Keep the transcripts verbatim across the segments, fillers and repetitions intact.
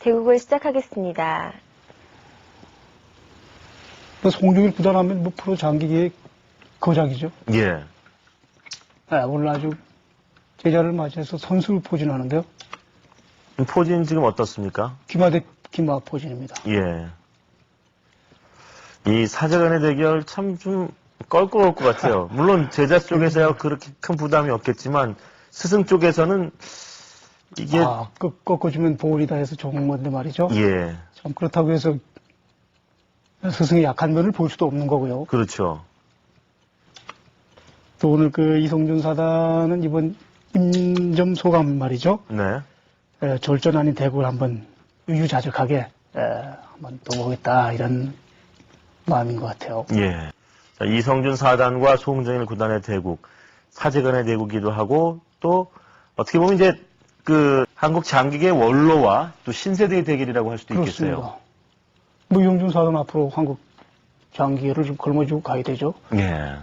대국을 시작하겠습니다. 뭐 송정일 구단하면 뭐 프로 장기계의 거장이죠. 예. 네, 오늘 아주 제자를 맞이해서 선수를 포진하는데요. 포진 지금 어떻습니까? 기마대 기마 포진입니다. 예. 이 사제간의 대결 참 좀 껄끄러울 것 같아요. 물론 제자 쪽에서야 그렇게 큰 부담이 없겠지만 스승 쪽에서는 이게 아, 꺾, 꺾어주면 보울이다 해서 좋은 건데 말이죠. 예. 참 그렇다고 해서 스승의 약한 면을 볼 수도 없는 거고요. 그렇죠. 또 오늘 그 이성준 사단은 이번 임점 소감 말이죠. 네. 에, 졸전 아닌 대국을 한번 유유자적하게 에, 한번 또 보겠다 이런 마음인 것 같아요. 예. 자, 이성준 사단과 송정일 구단의 대국, 사제간의 대국이기도 하고 또 어떻게 보면 이제 그 한국 장기계 원로와 또 신세대의 대결이라고 할 수도 그렇습니다. 있겠어요. 뭐 이성준 사단 앞으로 한국 장기계를 좀 걸머쥐고 가야 되죠. 예.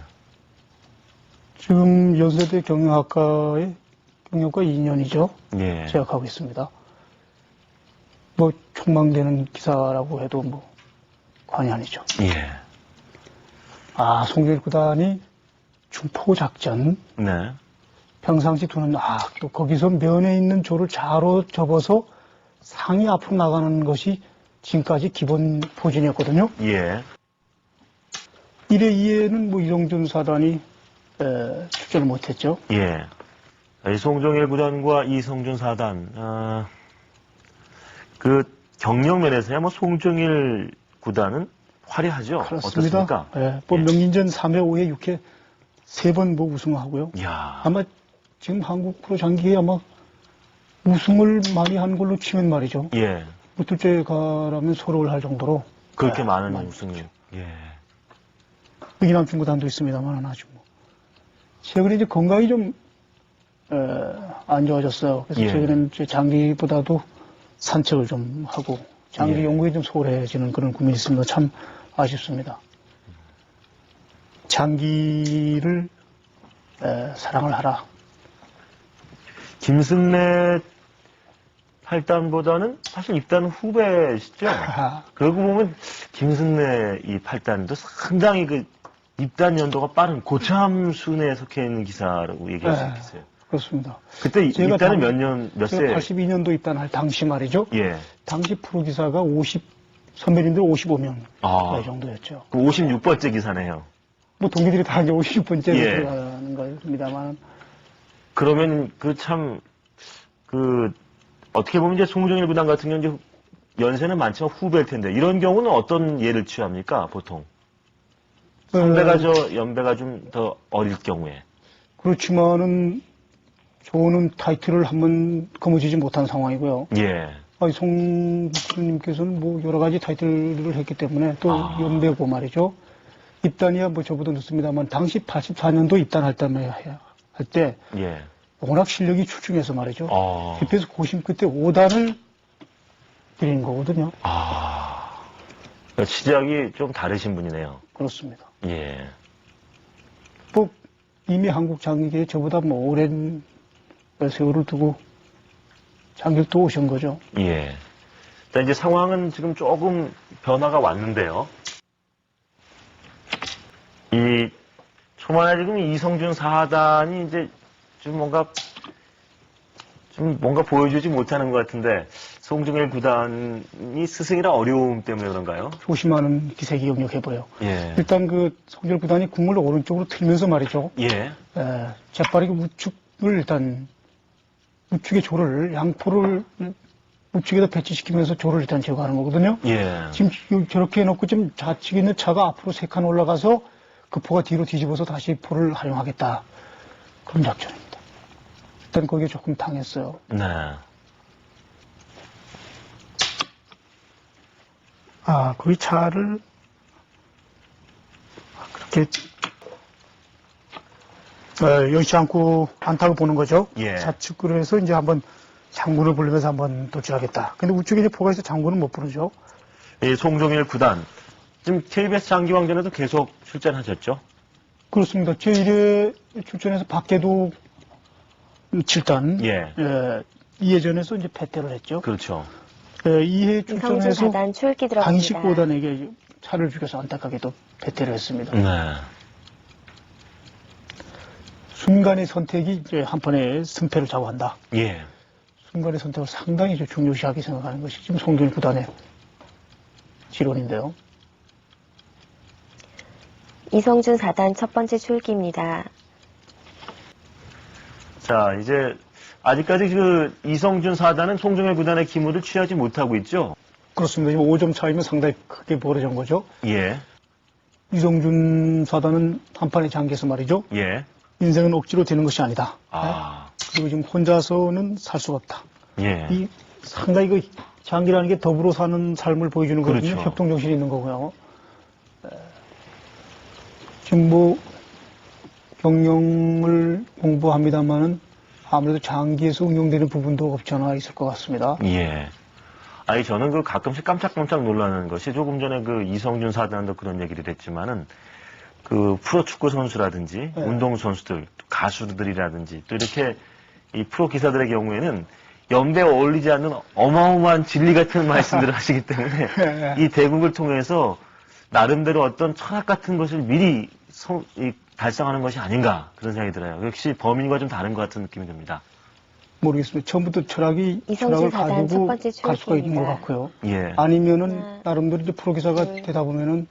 지금 연세대 경영학과의 경영과 이 년이죠. 예. 재학하고 있습니다. 뭐 촉망되는 기사라고 해도 뭐 관이 아니죠. 예. 아, 송정일 구단이 중포 작전 네. 평상시 두는 아, 또 거기서 면에 있는 조를 좌로 접어서 상이 앞으로 나가는 것이 지금까지 기본 포진이었거든요. 예. 일 회, 이 회는 뭐 이성준 사단이 에, 출전을 못했죠. 예. 이 송정일 구단과 이성준 사단, 아, 그 경력 면에서야 뭐 송정일 구단은 화려하죠. 그렇습니다. 어떻습니까? 예, 뭐 예. 명인전 삼 회, 오 회, 육 회 세 번 뭐 우승하고요. 이야. 아마 지금 한국 프로 장기에 아마 우승을 많이 한 걸로 치면 말이죠. 예. 뭐 둘째 가라면 서로를 할 정도로 그렇게 예, 많은 많이 우승이. 예. 이남춘 구단도 있습니다만 아주 뭐 최근에 이제 건강이 좀 안 좋아졌어요. 그래서 예. 최근에는 이제 장기보다도 산책을 좀 하고 장기 예. 연구에 좀 소홀해지는 그런 고민이 있습니다. 참 아쉽습니다. 장기를 에, 사랑을 하라. 김승래 팔단보다는 사실 입단 후배시죠? 그러고 보면 김승래 이 팔단도 상당히 그 입단 연도가 빠른 고참 순에 속해 있는 기사라고 얘기할 수 네. 있겠어요. 그렇습니다. 그때 제가 입단은 당- 몇 년, 몇 세? 제가 팔십이 년도 입단할 당시 말이죠. 예. 당시 프로 기사가 오십, 선배님들 오십오 명 아. 이 정도였죠. 그 오십육 번째 기사네요. 뭐 동기들이 다 이제 오십 번째로 예. 들어가는 겁니다만 그러면 그 참, 그, 어떻게 보면 이제 송정일 구단 같은 경우는 이제 연세는 많지만 후배일 텐데, 이런 경우는 어떤 예를 취합니까, 보통? 선배가 저, 연배가 좀 더 어릴 경우에. 그렇지만은 저는 타이틀을 한번 거머쥐지 못한 상황이고요. 예. 아니, 송 교수님께서는 뭐 여러 가지 타이틀을 했기 때문에 또 아. 연배고 말이죠. 입단이야 뭐 저보다 늦습니다만 당시 팔십사 년도 입단할 때만 할 때 예. 워낙 실력이 출중해서 말이죠. 아. 집에서 고심 끝에 오 단을 드린 거거든요. 아. 그러니까 시작이 좀 다르신 분이네요. 그렇습니다. 예. 뭐 이미 한국 장기계에 저보다 뭐 오랜 세월을 두고 장기를 또 오신 거죠. 예. 자, 이제 상황은 지금 조금 변화가 왔는데요. 이, 초반에 지금 이성준 사단이 이제 좀 뭔가, 좀 뭔가 보여주지 못하는 것 같은데, 송정일 구단이 스승이라 어려움 때문에 그런가요? 조심하는 기색이 역력해 보여. 예. 일단 그 성절 구단이 국물을 오른쪽으로 틀면서 말이죠. 예. 에, 재빠르게 우측을 일단 우측의 조를 양포를 우측에다 배치시키면서 조를 일단 제거하는 거거든요. 예. 지금 저렇게 해놓고 지금 좌측에 있는 차가 앞으로 세 칸 올라가서 그 포가 뒤로 뒤집어서 다시 포를 활용하겠다. 그런 작전입니다. 일단 거기에 조금 당했어요. 네. 아, 거기 차를 그렇게 어, 여의치 않고 안타고 보는 거죠. 예. 좌측으로 해서 이제 한번 장군을 부르면서 한번 도출하겠다. 근데 우측에 이제 포가 있어 장군은 못 부르죠. 이 송정일 구단. 지금 케이비에스 장기왕전에도 계속 출전하셨죠? 그렇습니다. 제일 회 출전해서 밖에도 칠 단. 예. 이 회전에서 이제 패퇴를 했죠. 그렇죠. 그 이해 이성준 출전해서 사단 출기 들어갑니다. 강식보단에게 차를 죽여서 안타깝게도 패퇴를 했습니다. 네. 순간의 선택이 이제 한판에 승패를 좌우한다. 예. 순간의 선택을 상당히 좀 중요시하게 생각하는 것이 지금 송균 구단의 지론인데요. 이성준 사단 첫 번째 출기입니다. 자, 이제 아직까지 그 이성준 사단은 송정일 구단의 기물을 취하지 못하고 있죠? 그렇습니다. 지금 오 점 차이면 상당히 크게 벌어진 거죠. 예. 이성준 사단은 한판에 잠겨서 말이죠. 예. 인생은 억지로 되는 것이 아니다. 아. 그리고 지금 혼자서는 살 수가 없다. 예. 이 상당히 그 장기라는 게 더불어 사는 삶을 보여주는 거거든요. 그렇죠. 협동정신이 있는 거고요. 에, 지금 뭐 경영을 공부합니다만은 아무래도 장기에서 응용되는 부분도 없지 않아 있을 것 같습니다. 예. 아니, 저는 그 가끔씩 깜짝깜짝 놀라는 것이 조금 전에 그 이성준 사단도 그런 얘기를 했지만은 그 프로축구 선수라든지 네. 운동 선수들, 가수들이라든지 또 이렇게 이 프로 기사들의 경우에는 연배에 어울리지 않는 어마어마한 진리 같은 말씀들을 하시기 때문에 네. 이 대국을 통해서 나름대로 어떤 철학 같은 것을 미리 성- 이 달성하는 것이 아닌가 그런 생각이 들어요. 역시 범인과 좀 다른 것 같은 느낌이 듭니다. 모르겠습니다. 처음부터 철학이 이성준 철학을 사단 첫 가지고 번째 갈 수가 있는 것 출기입니다. 같고요. 예. 아니면은 하나, 나름대로 이제 프로기사가 둘. 되다 보면은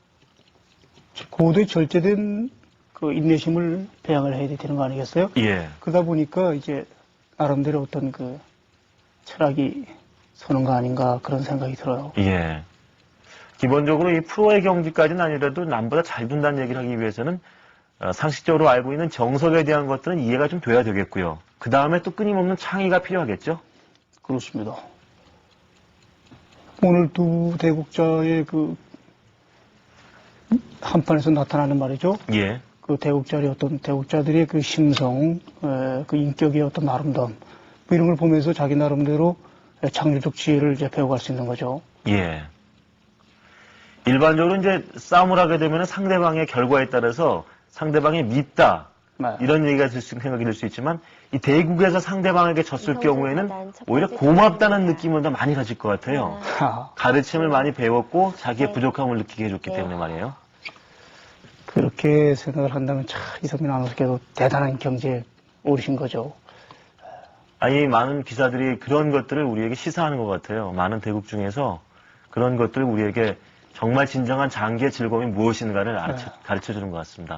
고도의 절제된 그 인내심을 배양을 해야 되는 거 아니겠어요? 예. 그러다 보니까 이제 나름대로 어떤 그 철학이 서는 거 아닌가 그런 생각이 들어요. 예. 기본적으로 이 프로의 경기까지는 아니라도 남보다 잘 둔다는 얘기를 하기 위해서는 어, 상식적으로 알고 있는 정석에 대한 것들은 이해가 좀 돼야 되겠고요. 그 다음에 또 끊임없는 창의가 필요하겠죠? 그렇습니다. 오늘 두 대국자의 그 한판에서 나타나는 말이죠. 예. 그 대국자의 어떤 대국자들의 그 심성, 에, 그 인격의 어떤 아름다움 뭐 이런 걸 보면서 자기 나름대로 창조적 지혜를 이제 배워갈 수 있는 거죠. 예. 일반적으로 이제 싸움을 하게 되면 상대방의 결과에 따라서 상대방이 밉다. 네. 이런 얘기가 들 수, 생각이 들 수 있지만 이 대국에서 상대방에게 졌을 이성준 경우에는 사단 첫 오히려 번째 고맙다는 출기입니다. 느낌을 더 많이 가질 것 같아요. 하, 가르침을 많이 배웠고 자기의 네. 부족함을 느끼게 해줬기 네. 때문에 말이에요. 그렇게 생각을 한다면 참 이성민 아나운서께도 대단한 경제에 오르신 거죠. 아니, 많은 기사들이 그런 것들을 우리에게 시사하는 것 같아요. 많은 대국 중에서 그런 것들을 우리에게 정말 진정한 장기의 즐거움이 무엇인가를 가르쳐, 네. 가르쳐 주는 것 같습니다.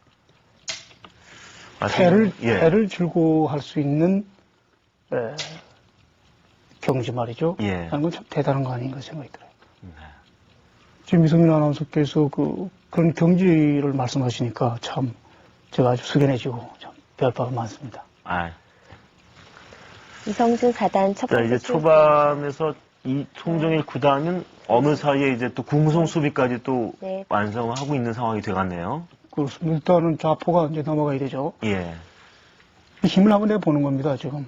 패를, 예. 패를 즐거워할 수 있는 에, 경지 말이죠. 예. 라는 건 참 대단한 거 아닌가 생각이 들어요. 네. 지금 이성민 아나운서께서 그, 그런 경지를 말씀하시니까 참 제가 아주 숙연해지고 참 배울 바가 많습니다. 아, 이성준 사단 첫 자, 번째 이제 출기입니다. 초반에서 이 송정일 구단은 어느 사이에 이제 또 궁성 수비까지 또 네. 완성을 하고 있는 상황이 돼갔네요. 그렇습니다. 일단은 좌포가 이제 넘어가야 되죠. 예. 힘을 한번 내보는 겁니다, 지금.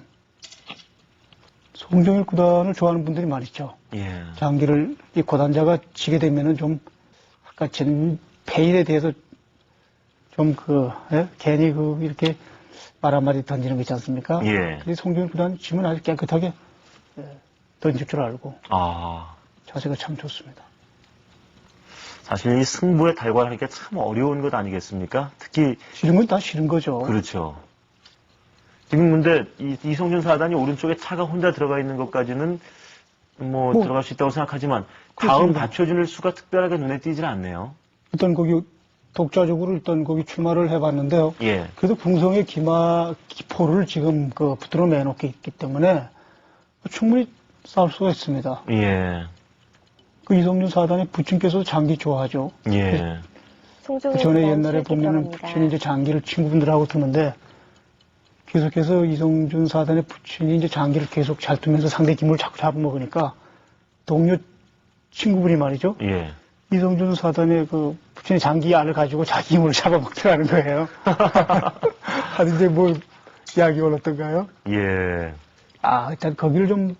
송정일 구단을 좋아하는 분들이 많죠. 예. 장기를, 이 고단자가 지게 되면은 좀, 아까 전 패일에 대해서 좀 그, 예? 괜히 그, 이렇게 말 한마디 던지는 거 있지 않습니까? 예. 근데 송정일 구단 지면 아주 깨끗하게 예, 던질 줄 알고 아, 자세가 참 좋습니다. 사실 이 승부에 달관하기가 참 어려운 것 아니겠습니까? 특히 싫은 건 다 싫은 거죠. 그렇죠. 지금 근데 이, 이성준 사단이 오른쪽에 차가 혼자 들어가 있는 것까지는 뭐, 뭐, 들어갈 수 있다고 생각하지만 다음 그렇습니다. 받쳐줄 수가 특별하게 눈에 띄질 않네요. 일단 거기 독자적으로 일단 거기 출마를 해봤는데요. 예. 그래도 궁성의 기마, 기포를 지금 그 붙들어 내놓고 있기 때문에 충분히 싸울 수가 있습니다. 예. 그 이성준 사단의 부친께서도 장기 좋아하죠. 예. 송정일 그 전에 사단 옛날에 출기 보면은 들어갑니다. 부친이 이제 장기를 친구분들하고 두는데 계속해서 이성준 사단의 부친이 이제 장기를 계속 잘 두면서 상대 기물을 자꾸 잡아먹으니까 동료 친구분이 말이죠. 예. 이성준 사단의 그 부친의 장기 알을 가지고 자기 힘을 잡아먹더라는 거예요. 하여튼 이제 뭐 이야기가 올랐던가요? 예. 아, 일단 거기를 좀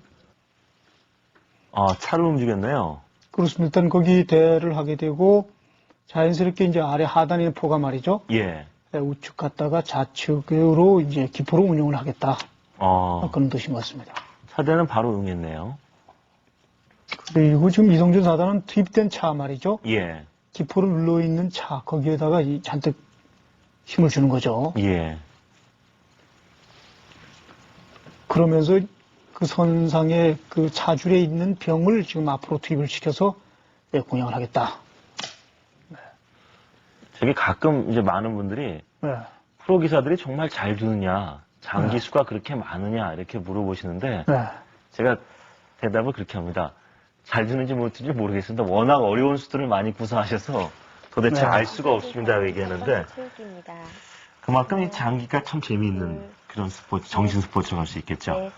아, 차를 움직였네요. 그렇습니다. 일단 거기 대를 하게 되고 자연스럽게 이제 아래 하단에 있는 포가 말이죠. 예. 우측 갔다가 좌측으로 이제 기포로 운영을 하겠다. 어, 그런 뜻인 것 같습니다. 차대는 바로 응했네요. 그리고 지금 이성준 사단은 투입된 차 말이죠. 예. 기포를 눌러있는 차, 거기에다가 이 잔뜩 힘을 주는 거죠. 예. 그러면서 그 선상에 그 차줄에 있는 병을 지금 앞으로 투입을 시켜서 네, 공양을 하겠다. 저기 가끔 이제 많은 분들이 네. 프로 기사들이 정말 잘 두느냐, 장기 네. 수가 그렇게 많으냐 이렇게 물어보시는데 네. 제가 대답을 그렇게 합니다. 잘 두는지 못두는지 모르겠습니다. 워낙 어려운 수들을 많이 구사하셔서 도대체 네. 알 수가 없습니다 얘기하는데 체육입니다. 그만큼 이 장기가 참 재미있는 그런 스포츠, 정신 스포츠로 할 수 있겠죠. 네.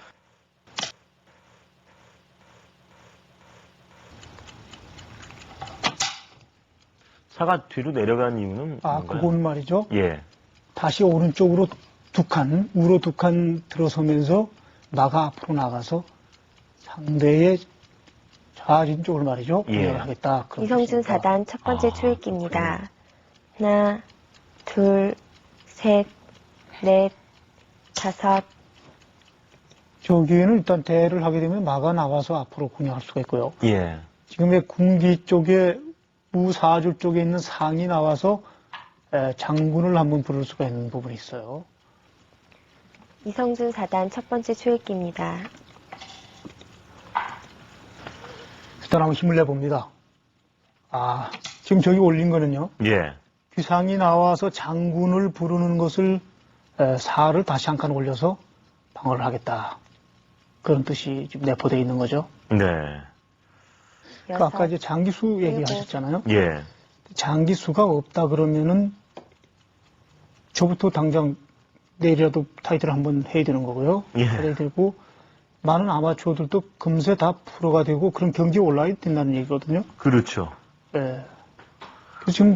차가 뒤로 내려간 이유는 아, 뭔가요? 그건 말이죠. 예. 다시 오른쪽으로 두 칸, 우로 두 칸 들어서면서 나가 앞으로 나가서 상대의 좌진 쪽을 말이죠. 예. 공략을 하겠다. 그런 이성준 뜻입니다. 사단 첫 번째 아, 초읽기입니다. 하나, 둘, 셋, 넷, 다섯. 저기에는 일단 대를 하게 되면 마가 나와서 앞으로 공략할 수가 있고요. 예. 지금의 궁기 쪽에 우사줄 쪽에 있는 상이 나와서 에, 장군을 한번 부를 수가 있는 부분이 있어요. 이성준 사단 첫 번째 초읽기입니다. 일단 한번 힘을 내봅니다. 아, 지금 저기 올린 거는요. 예. 귀상이 나와서 장군을 부르는 것을 에, 사를 다시 한 칸 올려서 방어를 하겠다. 그런 뜻이 지금 내포되어 있는 거죠. 네. 그 아까 이제 장기수 얘기하셨잖아요. 예. 장기수가 없다 그러면은 저부터 당장 내일이라도 타이틀을 한번 해야 되는 거고요. 예. 해야 되고 많은 아마추어들도 금세 다 프로가 되고 그런 경기에 올라야 된다는 얘기거든요. 그렇죠. 예. 그래서 지금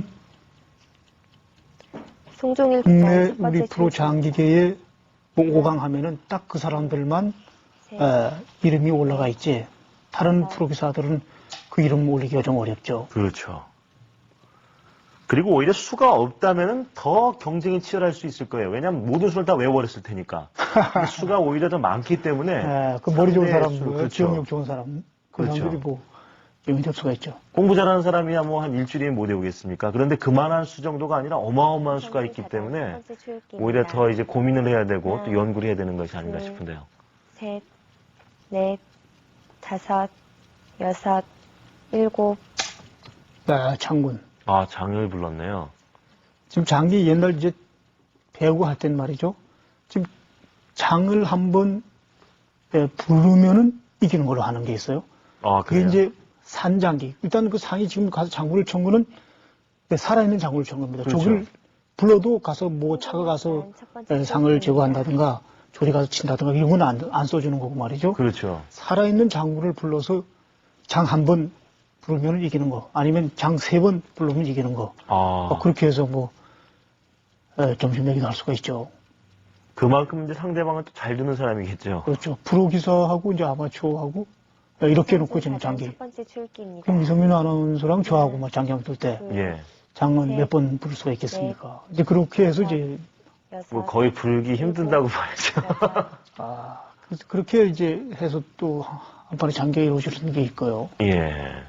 송종일 국내 첫 번째 우리 프로 초읽기. 장기계에 오강하면은 딱 그 사람들만 셋, 에, 이름이 올라가 있지. 다른 프로 기사들은 그 이름 올리기가 좀 어렵죠. 그렇죠. 그리고 오히려 수가 없다면은 더 경쟁이 치열할 수 있을 거예요. 왜냐하면 모든 수를 다 외워버렸을 테니까. 근데 수가 오히려 더 많기 때문에. 예, 그 머리 좋은 상대의 사람, 수, 그 그렇죠. 기억력 좋은 사람, 그 그렇죠. 사람들이 뭐 영입될 수가 있죠. 공부 잘하는 사람이야 뭐 한 일주일이면 못 외우겠습니까? 그런데 그만한 수 정도가 아니라 어마어마한 수가 있기 이성준 사단 때문에 첫 번째 초읽기입니다. 오히려 더 이제 고민을 해야 되고 또 하나, 연구를 해야 되는 것이 아닌가 둘, 싶은데요. 셋, 넷, 다섯, 여섯, 일곱. 네, 장군. 아, 장을 불렀네요. 지금 장기 옛날 이제 배우고 할 땐 말이죠. 지금 장을 한번 예, 부르면은 이기는 걸로 하는 게 있어요. 아, 그게 그래요? 이제 산장기. 일단 그 상이 지금 가서 장군을 천 거는 네, 살아있는 장군을 천 겁니다. 그렇죠. 저기를 불러도 가서 뭐 차가 가서 첫 번째 예, 상을 제거한다든가 조리 가서 친다든가 이런 건 안, 안 써주는 거고 말이죠. 그렇죠. 살아있는 장군을 불러서 장 한 번 부르면 이기는 거, 아니면 장 세 번 부르면 이기는 거. 아, 어, 그렇게 해서 뭐 에, 점심 내기도 할 수가 있죠. 그만큼 이제 상대방은 또 잘 두는 사람이겠죠. 그렇죠. 프로 기사하고 이제 아마추어하고 에, 이렇게 놓고 지는 장기. 첫 번째 초읽기입니다. 그럼 이성민 아나운서랑 저하고 막 장기 한번 때 예. 장은 네. 몇 번 부를 수가 있겠습니까? 이제 그렇게 해서 이제 여섯, 뭐 거의 불기 힘든다고 봐야죠. 여덟, 아 그래서 그렇게 이제 해서 또 한 번에 장기가 이루어질 수 있는 게 있고요. 예.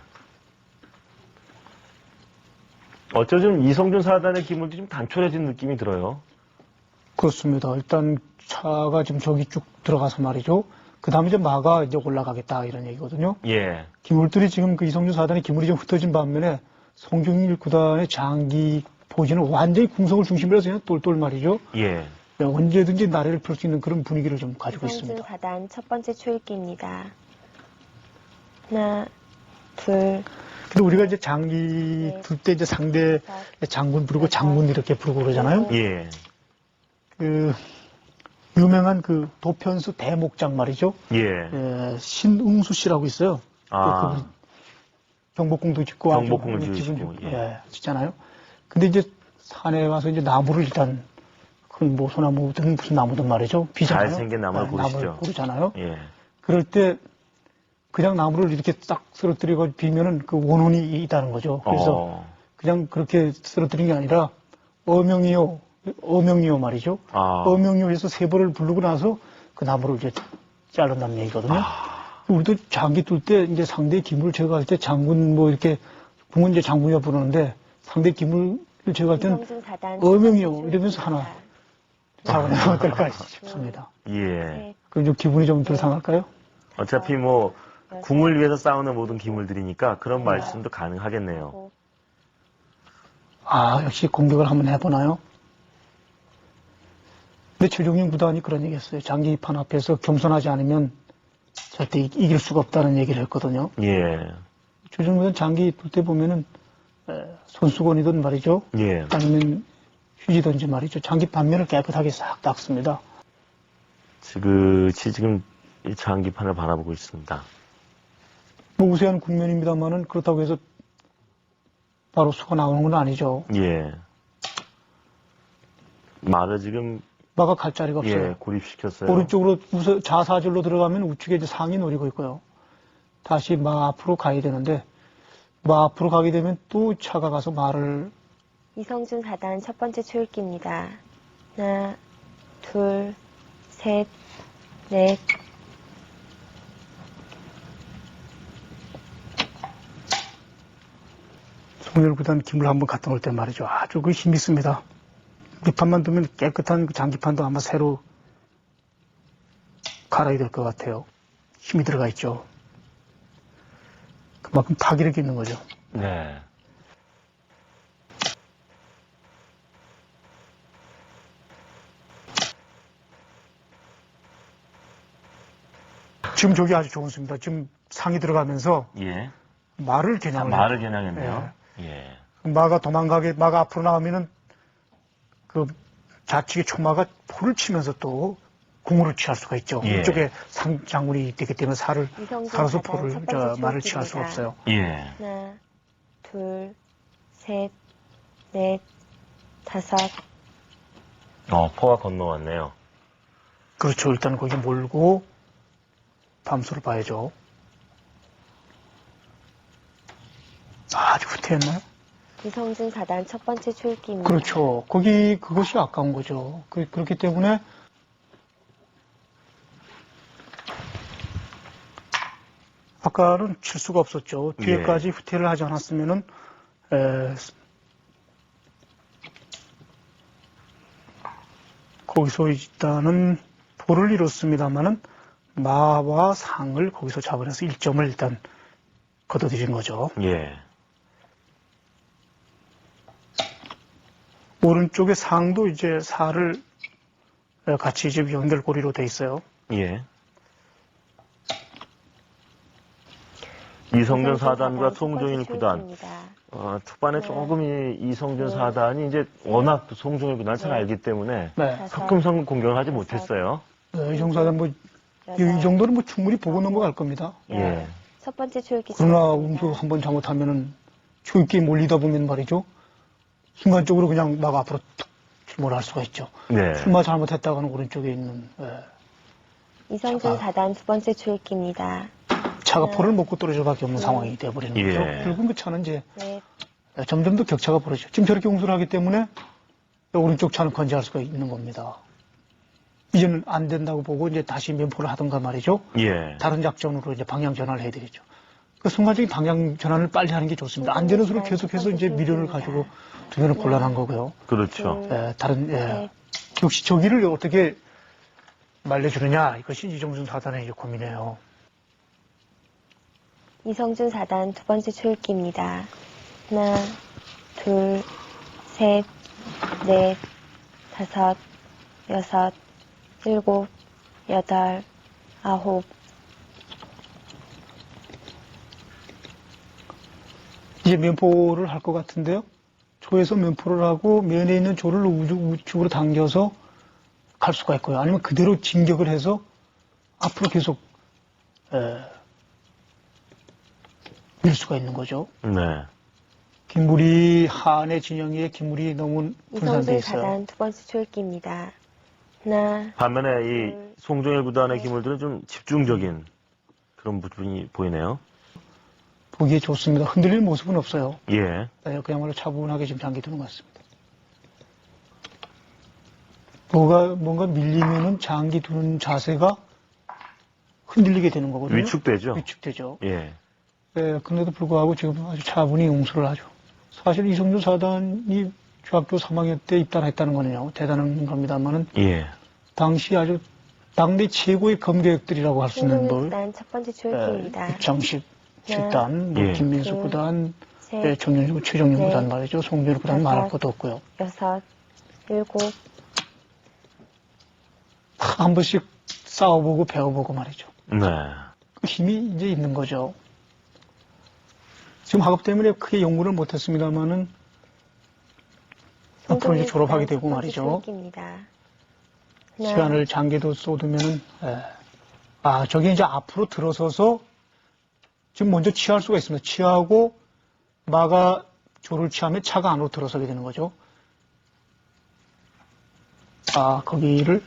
어쩌면 이성준 사단의 기물도 좀 단촐해진 느낌이 들어요. 그렇습니다. 일단 차가 지금 저기 쭉 들어가서 말이죠. 그 다음에 이제 마가 이제 올라가겠다 이런 얘기거든요. 예. 기물들이 지금 그 이성준 사단의 기물이 좀 흩어진 반면에 송중일 구단의 장기 포지는 완전히 궁성을 중심으로 해서 그냥 똘똘 말이죠. 예. 네, 언제든지 나래를 펼 수 있는 그런 분위기를 좀 가지고 이성준 있습니다. 사단 첫 번째 초읽기입니다. 하나, 둘, 근데 우리가 이제 장기 둘 때 이제 상대 장군 부르고 장군 이렇게 부르고 그러잖아요. 예. 그 유명한 그 도편수 대목장 말이죠. 예. 예, 신응수 씨라고 있어요. 아. 그분 경복궁도 짓고 아주 경복궁을 집은 지으시고, 좀, 예. 예, 짓잖아요. 근데 이제 산에 가서 이제 나무를 일단 큰 뭐 소나무든 무슨 나무든 말이죠. 비잖아요. 잘생긴 나무를 예, 고르시죠. 나무를 고르잖아요. 예. 그럴 때 그냥 나무를 이렇게 딱 쓰러뜨리고 비면은 그 원혼이 있다는 거죠. 그래서 어. 그냥 그렇게 쓰러뜨린 게 아니라 어명이요, 어명이요 말이죠. 아. 어명이요 해서 세 번을 부르고 나서 그 나무를 이제 자른다는 얘기거든요. 아. 우리도 장기 뚫 때 이제 상대 기물을 제거할 때 장군 뭐 이렇게 궁은 이제 장군이라 부르는데 상대 기물을 제거할 때는 이성준 사단 어명이요 이러면서 하나 잡아내면 네. 어떨까 싶습니다. 예. 그럼 좀 기분이 좀 덜 상할까요? 어차피 뭐 궁을 위해서 싸우는 모든 기물들이니까 그런 말씀도 가능하겠네요. 아 역시 공격을 한번 해보나요? 근데 최종용 구단이 그런 얘기했어요. 장기판 앞에서 겸손하지 않으면 절대 이- 이길 수가 없다는 얘기를 했거든요. 예. 최종용 구단 장기 볼 때 보면은 에, 손수건이든 말이죠. 예. 아니면 휴지든지 말이죠. 장기 반면을 깨끗하게 싹 닦습니다. 지그시 지금 이 장기판을 바라보고 있습니다. 뭐 우세한 국면입니다만은 그렇다고 해서 바로 수가 나오는 건 아니죠. 예. 말을 지금 마가 갈 자리가 없어요. 예, 고립시켰어요. 오른쪽으로 우서 좌사절로 들어가면 우측에 이제 상이 노리고 있고요. 다시 마 앞으로 가야 되는데 마 앞으로 가게 되면 또 차가 가서 말을 이성준 사단 첫 번째 초읽기입니다. 하나, 둘, 셋, 넷. 송열 구단 김을 한번 갔다 올 때 말이죠. 아주 그 힘이 있습니다. 밑판만 두면 깨끗한 그 장기판도 아마 새로 갈아야 될 것 같아요. 힘이 들어가 있죠. 그만큼 파괴력이 있는 거죠. 네. 지금 저기 아주 좋은 수입니다. 지금 상이 들어가면서 예. 말을 아, 겨냥을 말을 겨냥했네요. 예. 마가 도망가게, 마가 앞으로 나오면은 그 좌측의 초마가 포를 치면서 또 궁으로 취할 수가 있죠. 예. 이쪽에 상 장군이 있기 때문에 살을, 이성준 살아서 사단 포를, 첫 저, 번째 말을 취할 수가 초읽기입니다. 없어요. 예. 하나, 둘, 셋, 넷, 다섯. 어, 포가 건너왔네요. 그렇죠. 일단 거기 몰고 밤수를 봐야죠. 아주 후퇴했나요? 이성준 사단 첫 번째 초읽기입니다. 그렇죠. 거기, 그것이 아까운 거죠. 그, 그렇기 때문에 아까는 칠 수가 없었죠. 뒤에까지 예. 후퇴를 하지 않았으면은, 에, 거기서 일단은 볼을 잃었습니다만은 마와 상을 거기서 잡아내서 일 점을 일단 걷어들인 거죠. 예. 오른쪽에 상도 이제 사를 같이 이제 연결고리로 돼 있어요. 예. 이성준 사단과 첫 번째 송종일 구단. 초읽기입니다. 어, 초반에 네. 조금 이 이성준 네. 사단이 이제 워낙 또 송종일 구단을 잘 네. 알기 때문에 네. 다섯, 성큼성큼 공격을 하지 다섯. 못했어요. 네, 이 정도는 뭐, 이, 여덟, 이 정도는 뭐 충분히 보고 넘어갈 겁니다. 예. 첫 번째 초읽기 그러나 시작합니다. 운수 한번 잘못하면은 초입기에 몰리다 보면 말이죠. 순간적으로 그냥 막 앞으로 툭 출몰할 수가 있죠. 네. 출마 잘못했다가는 오른쪽에 있는 예, 이성준 자. 사단 두 번째 초읽기입니다. 차가 네. 포를 먹고 떨어질 수밖에 없는 네. 상황이 되어버리는 예. 거죠. 결국은 그 차는 이제 넷, 점점 더 격차가 벌어지죠. 지금 저렇게 공수를 하기 때문에 오른쪽 차는 건재할 수가 있는 겁니다. 이제는 안 된다고 보고 이제 다시 면포를 하던가 말이죠. 예. 다른 작전으로 이제 방향 전환을 해야 되겠죠. 그 순간적인 방향 전환을 빨리 하는 게 좋습니다. 안 되는 수로 계속해서 이제 미련을 가지고 두면은 곤란한 거고요. 그렇죠. 둘, 예, 다른 예, 셋, 역시 저기를 어떻게 말려주느냐 이것이 이정준 사단의 이제 고민이에요. 이성준 사단 두 번째 초읽기입니다. 하나, 둘, 셋, 넷, 다섯, 여섯, 일곱, 여덟, 아홉. 이제 면포를 할 것 같은데요. 조에서 면포를 하고 면에 있는 조를 우측, 우측으로 당겨서 갈 수가 있고요. 아니면 그대로 진격을 해서 앞으로 계속 에, 밀 수가 있는 거죠. 네. 김물이 한의 진영에 김물이 너무 분산돼 이성준 있어요. 사단 두 번째 초읽기입니다. 하나, 반면에 이 둘, 송종일 구단의 네. 기물들은 좀 집중적인 그런 부분이 보이네요. 보기에 좋습니다. 흔들리는 모습은 없어요. 예. 네, 그야말로 차분하게 지금 장기두는 것 같습니다. 뭐가, 뭔가 밀리면은 장기 두는 자세가 흔들리게 되는 거거든요. 위축되죠. 위축되죠. 예. 예, 그런데도 불구하고 지금 아주 차분히 용서를 하죠. 사실 이성준 사단이 중학교 삼 학년 때 입단했다는 거는요, 대단한 겁니다만은, 예. 당시 아주 당대 최고의 검교역들이라고 할 수 있는 송정일 뭐, 구단 첫 번째 예, 출기입니다. 입장식 식단, 뭐 예. 김민수 둘, 구단, 셋, 예, 정영주, 최정영 넷, 구단 말이죠. 송준일 구단 말할 다섯, 것도 없고요. 여섯, 일곱, 다 한 번씩 싸워보고 배워보고 말이죠. 네. 그 힘이 이제 있는 거죠. 지금 학업 때문에 크게 연구를 못했습니다만은 앞으로 이제 송정일 졸업하게 구단 첫 되고 번째 말이죠. 출기입니다. 하나, 시간을 장기도 쏟으면은, 예. 아, 저게 이제 앞으로 들어서서 지금 먼저 취할 수가 있습니다. 취하고 마가 조를 취하면 차가 안으로 들어서게 되는 거죠. 아, 거기를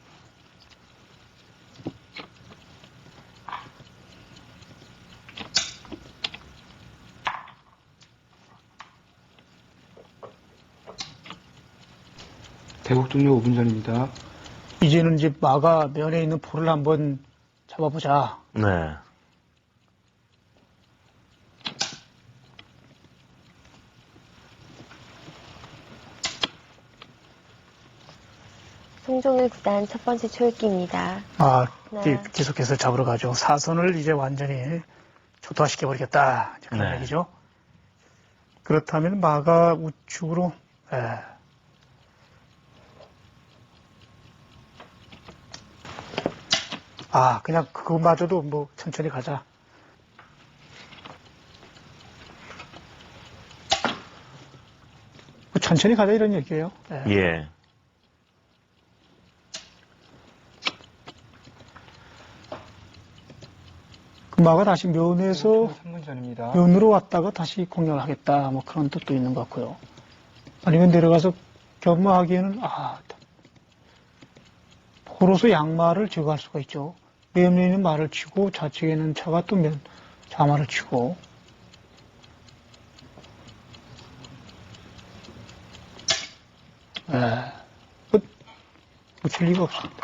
대국 종료 오 분 전입니다. 이제는 이제 마가 면에 있는 볼을 한번 잡아보자. 네. 송정일 구단 첫 번째 출기입니다. 아, 네. 이제 계속해서 잡으러 가죠. 사선을 이제 완전히 초토화시켜버리겠다. 이제 그런 네. 얘기죠. 그렇다면 마가 우측으로, 예. 아, 그냥 그거마저도 뭐 천천히 가자. 뭐 천천히 가자 이런 얘기예요. 예. 예. 그 마가 다시 면에서 삼 분 전입니다. 면으로 왔다가 다시 공략을 하겠다. 뭐 그런 뜻도 있는 것 같고요. 아니면 내려가서 겸마하기에는 아, 포로서 양마를 제거할 수가 있죠. 면에 있는 말을 치고 좌측에 있는 차가 또 면, 좌마를 치고. 예, 뭐, 붙일 리가 없습니다.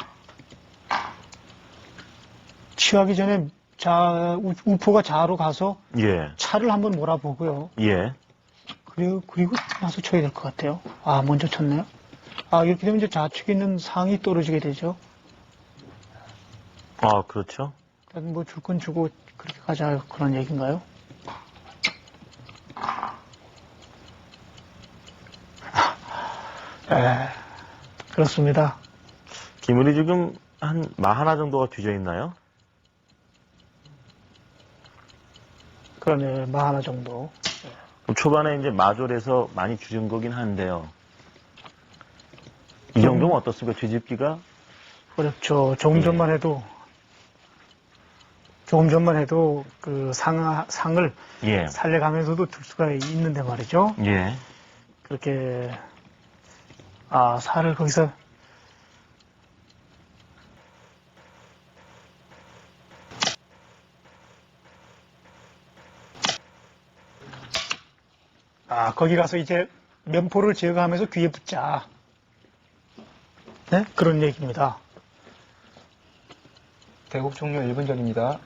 취하기 전에 자, 우, 우포가 좌로 가서 예. 차를 한번 몰아보고요. 예. 그리고, 그리고 나서 쳐야 될 것 같아요. 아, 먼저 쳤네요. 아, 이렇게 되면 이제 좌측에 있는 상이 떨어지게 되죠. 아, 그렇죠. 일단 뭐 줄 건 주고 그렇게 가자 그런 얘기인가요? 에, 그렇습니다. 기물이 지금 한 마 하나 정도가 뒤져 있나요? 그러네, 마 하나 정도. 초반에 이제 마졸에서 많이 줄인 거긴 한데요. 이 정도면 어떻습니까? 뒤집기가? 어렵죠. 조금 예. 전만 해도, 조금 전만 해도 그 상, 상을 예. 살려가면서도 들 수가 있는데 말이죠. 예. 그렇게, 아, 살을 거기서, 아, 거기 가서 이제 면포를 제거하면서 귀에 붙자. 네? 그런 얘기입니다. 대국 종료 일 분 전입니다.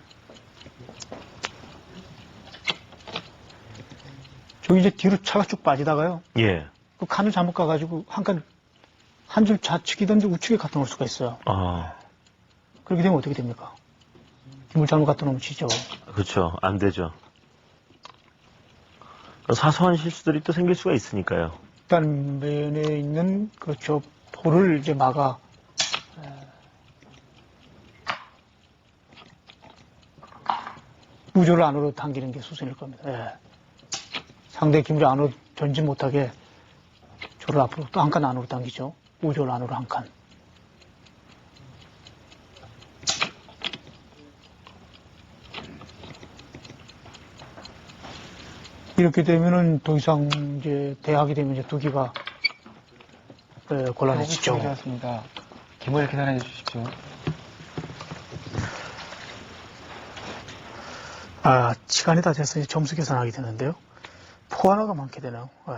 저기 이제 뒤로 차가 쭉 빠지다가요. 예. 그 칸을 잘못 가가지고 한 칸, 한 줄 좌측이든지 우측에 갖다 놓을 수가 있어요. 아, 그렇게 되면 어떻게 됩니까? 힘을 잘못 갖다 놓으면 지죠. 그렇죠. 안 되죠. 사소한 실수들이 또 생길 수가 있으니까요. 일단 면에 있는 그렇죠. 볼을 이제 막아. 에, 우조를 안으로 당기는 게 수순일 겁니다. 예. 상대 기물이 안으로 전진 못하게 조를 앞으로 또 한 칸 안으로 당기죠. 우조를 안으로 한 칸. 이렇게 되면은 더 이상 이제 대학이 되면 이제 두기가 에, 대국이 곤란해지죠. 종료되었습니다. 기물 계산해 주십시오. 아, 시간이 다 돼서 이제 점수 계산하게 되는데요. 포 하나가 많게 되네요. 에.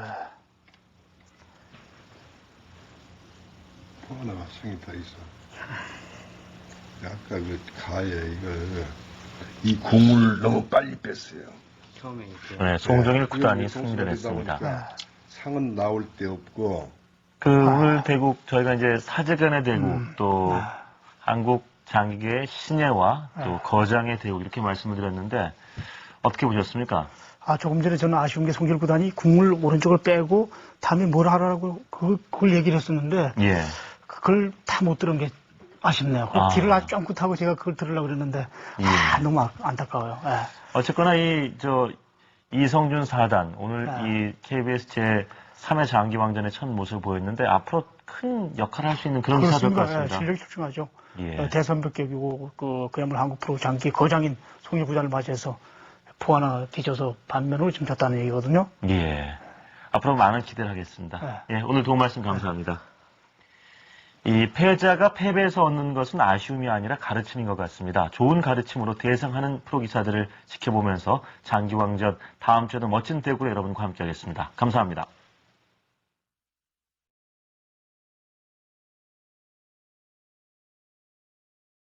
하나가 성이 더 있어. 아까 그 가에 이걸 이 공을 너무 빨리 뺐어요. 처음에 이렇게. 네, 송정일 네, 구단이 이게 승리를 동승이 했습니다. 되다 보니까 상은 나올 데 없고 그 오늘 대국 저희가 이제 사제간의 대국 음. 또 네. 한국 장기계의 신예와 또 네. 거장의 대국 이렇게 말씀을 드렸는데 어떻게 보셨습니까? 아, 조금 전에 저는 아쉬운 게 송길 구단이 국물 오른쪽을 빼고 다음에 뭘 하라고 그걸, 그걸 얘기를 했었는데 예. 그걸 다 못 들은 게 아쉽네요. 그 아. 귀를 아주 쫑긋하고 제가 그걸 들으려고 그랬는데 예. 아, 너무 아- 안타까워요. 예. 어쨌거나 이 저 이성준 사단 오늘 네. 이 케이비에스 제삼 회 장기왕전의 첫 모습을 보였는데 앞으로 큰 역할을 할 수 있는 그런 사될 것 그렇습니다. 예, 같습니다. 실력이 출중하죠. 예. 어, 대선벽격이고 그 그야말로 한국 프로 장기 거장인 송일 구단을 맞이해서 포 하나 뒤져서 반면으로 지금 졌다는 얘기거든요. 예. 앞으로 많은 기대를 하겠습니다. 예, 오늘 도움 말씀 감사합니다. 이 패자가 패배에서 얻는 것은 아쉬움이 아니라 가르침인 것 같습니다. 좋은 가르침으로 대상하는 프로기사들을 지켜보면서 장기왕전 다음 주에도 멋진 대구로 여러분과 함께하겠습니다. 감사합니다.